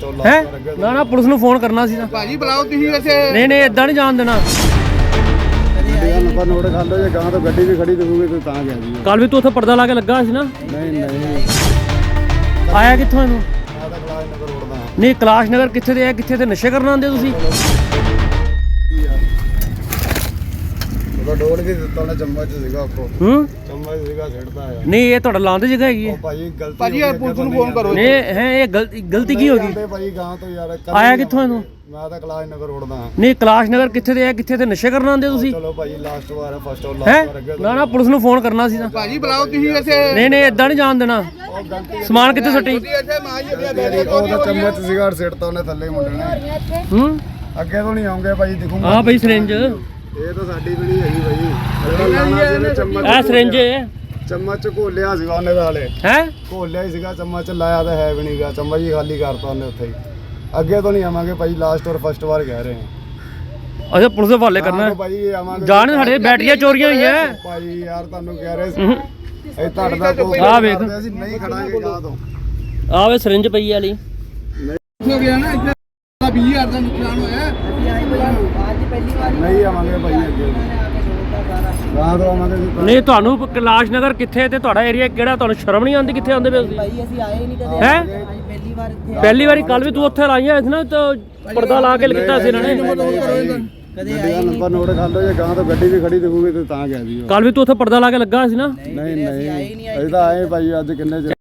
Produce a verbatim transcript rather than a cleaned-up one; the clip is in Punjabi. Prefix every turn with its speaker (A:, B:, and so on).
A: ਹੈ ਨਾ ਨਾ ਪੁਲਿਸ ਨੂੰ ਫੋਨ ਕਰਨਾ ਸੀ ਨਾ
B: ਭਾਜੀ ਬੁਲਾਓ ਤੁਸੀਂ ਵੈਸੇ।
A: ਨਹੀਂ ਨਹੀਂ ਇਦਾਂ ਨਹੀਂ ਜਾਣ ਦੇਣਾ।
C: ਨੰਬਰ ਨੋਟ ਕਰ ਲਓ, ਜੇ ਗਾਂ ਤੋਂ ਗੱਡੀ ਵੀ ਖੜੀ ਦਿਖੂਗੀ ਤੇ ਤਾਂ ਗਿਆ ਜੀ।
A: ਕੱਲ ਵੀ ਤੂੰ ਉੱਥੇ ਪਰਦਾ ਲਾ ਕੇ ਲੱਗਾ ਸੀ ਨਾ।
C: ਨਹੀਂ ਨਹੀਂ
A: ਆਇਆ ਕਿੱਥੋਂ ਇਹਨੂੰ?
C: ਮੈਂ ਤਾਂ ਕਲਾਸ ਨਗਰ ਰੋਡ ਦਾ।
A: ਨਹੀਂ ਕੈਲਾਸ਼ ਨਗਰ ਕਿੱਥੇ ਦੇ ਆ? ਕਿੱਥੇ ਤੇ ਨਸ਼ੇ ਕਰਨ ਆਉਂਦੇ ਤੁਸੀਂ?
C: ਉਹਦਾ ਡੋਲ ਵੀ ਦਿੱਤਾ ਉਹਨੇ, ਚਮਚ ਸੀਗਾ ਆਪਕੋ।
A: ਹੂੰ
C: ਚਮਚ ਸੀਗਾ ਛੱਡਦਾ ਆ।
A: ਨਹੀਂ ਇਹ ਤੁਹਾਡਾ ਲਾਂ ਦੀ ਜਗ੍ਹਾ ਹੈਗੀ ਹੈ।
C: ਉਹ ਭਾਜੀ ਗਲਤੀ
B: ਭਾਜੀ ਯਾਰ ਪੁਲਿਸ ਨੂੰ ਫੋਨ ਕਰੋ।
A: ਨਹੀਂ ਹੈ ਇਹ ਗਲਤੀ ਗਲਤੀ ਕੀ ਹੋ ਗਈ?
C: ਭਾਜੀ ਗਾਂ ਤੋਂ ਯਾਰ।
A: ਆਇਆ ਕਿੱਥੋਂ ਇਹਨੂੰ?
C: ਮੈਂ ਤਾਂ ਕਲਾਸ ਨਗਰ ਰੋਡ ਦਾ।
A: ਨਹੀਂ ਕੈਲਾਸ਼ ਨਗਰ ਕਿੱਥੇ ਦੇ ਆ? ਕਿੱਥੇ ਤੇ ਨਸ਼ੇ ਕਰਨ ਆਉਂਦੇ ਤੁਸੀਂ?
C: ਚਲੋ ਭਾਜੀ ਲਾਸਟ ਵਾਰ ਫਸਟ ਔਰ
A: ਹੈ
C: ਲਾਸਟ ਵਾਰ ਅੱਗੇ
A: ਨਾ ਨਾ ਪੁਲਿਸ ਨੂੰ ਫੋਨ ਕਰਨਾ ਸੀ ਨਾ।
B: ਭਾਜੀ ਬੁਲਾਓ ਤੁਸੀਂ ਵੈਸੇ।
A: ਨਹੀਂ ਨਹੀਂ ਇਦਾਂ ਨਹੀਂ ਜਾਣ ਦੇਣਾ। ਸਮਾਨ ਕਿੱਥੇ ਸੱਟੀ?
C: ਉਹਦਾ ਚਮਚ ਸੀਗਾ ਸਿੱਟਤਾ ਉਹਨੇ ਥੱਲੇ ਮੁੰਡੇ ਨੇ।
A: ਹੂੰ
C: ਅੱਗੇ ਤੋਂ ਨਹੀਂ ਆਉਂਗੇ ਭਾਜੀ, ਦਿਖੂਗਾ।
A: ਹਾਂ ਬਈ ਸਿਰਿੰਜ
C: ਇਹ ਤਾਂ ਸਾਡੀ ਵੀ ਨਹੀਂ ਹੈਗੀ ਭਾਜੀ। ਚਮਚ
A: ਇਹ ਸਿਰਿੰਜ ਹੈ
C: ਚਮਚ ਘੋਲਿਆ ਸੀਗਾ ਉਹਨੇ ਤਾਂ ਹਲੇ।
A: ਹੈ
C: ਘੋਲਿਆ ਹੀ ਸੀਗਾ ਚਮਚ, ਲਾਇਆ ਤਾਂ ਹੈ ਵੀ ਨਹੀਂਗਾ। ਚਮਚ ਹੀ ਖਾਲੀ ਕਰਤਾ ਉਹਨੇ ਉੱਥੇ ਹੀ। ਅੱਗੇ ਤੋਂ ਨਹੀਂ ਆਵਾਂਗੇ ਭਾਜੀ, ਲਾਸਟ ਔਰ ਫਸਟ ਵਾਰ ਕਹਿ ਰਹੇ ਹਾਂ।
A: ਅੱਛਾ ਪੁਲਿਸ ਦੇ ਹਵਾਲੇ ਕਰਨਾ ਹੈ।
C: ਭਾਜੀ ਆਵਾਂਗੇ।
A: ਜਾਣ ਸਾਡੇ ਬੈਟਰੀਆਂ ਚੋਰੀਆਂ ਹੋਈਆਂ।
C: ਭਾਜੀ ਯਾਰ ਤੁਹਾਨੂੰ ਕਹਿ ਰਹੇ ਸੀ ਇਹ ਤੁਹਾਡਾ ਕੋਈ
A: ਆਹ ਵੇਖ।
C: ਅਸੀਂ ਨਹੀਂ ਖੜਾਂਗੇ ਗਾਂ ਤੋਂ।
A: ਆਹ ਵੇ ਸਿਰਿੰਜ ਪਈ ਵਾਲੀ।
B: ਹੋ ਗਿਆ ਨਾ ਇੱਥੇ ਵੀਹ ਹਜ਼ਾਰ ਦਾ ਨੁਕਸਾਨ ਹੋਇਆ।
C: ਨਹੀਂ ਆਵਾਂਗੇ ਭਾਜੀ ਅੱਗੇ ਗਾਂ ਤੋਂ ਆਵਾਂਗੇ ਜੀ।
A: ਨਹੀਂ ਤੁਹਾਨੂੰ ਕੈਲਾਸ਼ ਨਗਰ ਕਿੱਥੇ ਤੇ ਤੁਹਾਡਾ ਏਰੀਆ ਕਿਹੜਾ? ਤੁਹਾਨੂੰ ਸ਼ਰਮ ਨਹੀਂ ਆਉਂਦੀ ਕਿੱਥੇ ਆਉਂਦੇ ਪਏ ਤੁਸੀਂ?
D: ਭਾਈ ਅਸੀਂ ਆਏ ਨਹੀਂ ਕਦੇ।
A: ਹੈ
D: ਪਹਿਲੀ ਵਾਰ ਇੱਥੇ
A: ਪਹਿਲੀ ਵਾਰੀ ਕੱਲ ਵੀ ਤੂੰ ਉੱਥੇ ਲਾਈਆਂ ਸੀ ਨਾ ਤਾਂ ਪਰਦਾ ਲਾ ਕੇ ਲਿਖਤਾ ਸੀ ਇਹਨਾਂ ਨੇ।
D: ਕਦੇ
C: ਗੱਡੀ ਦਾ ਨੰਬਰ ਨੋਟ ਕਰ ਲਓ, ਜੇ ਗਾਂ ਤੋਂ ਗੱਡੀ ਵੀ ਖੜੀ ਦਿਖੂਗੀ ਤੇ ਤਾਂ ਗਿਆ ਜੀ।
A: ਕੱਲ ਵੀ ਤੂੰ ਉੱਥੇ ਪਰਦਾ ਲਾ ਕੇ ਲੱਗਾ ਸੀ ਨਾ।
C: ਨਹੀਂ ਨਹੀਂ ਅਸੀਂ ਤਾਂ ਆਏ ਭਾਜੀ ਅੱਜ ਕਿੰਨੇ ਚਿਰ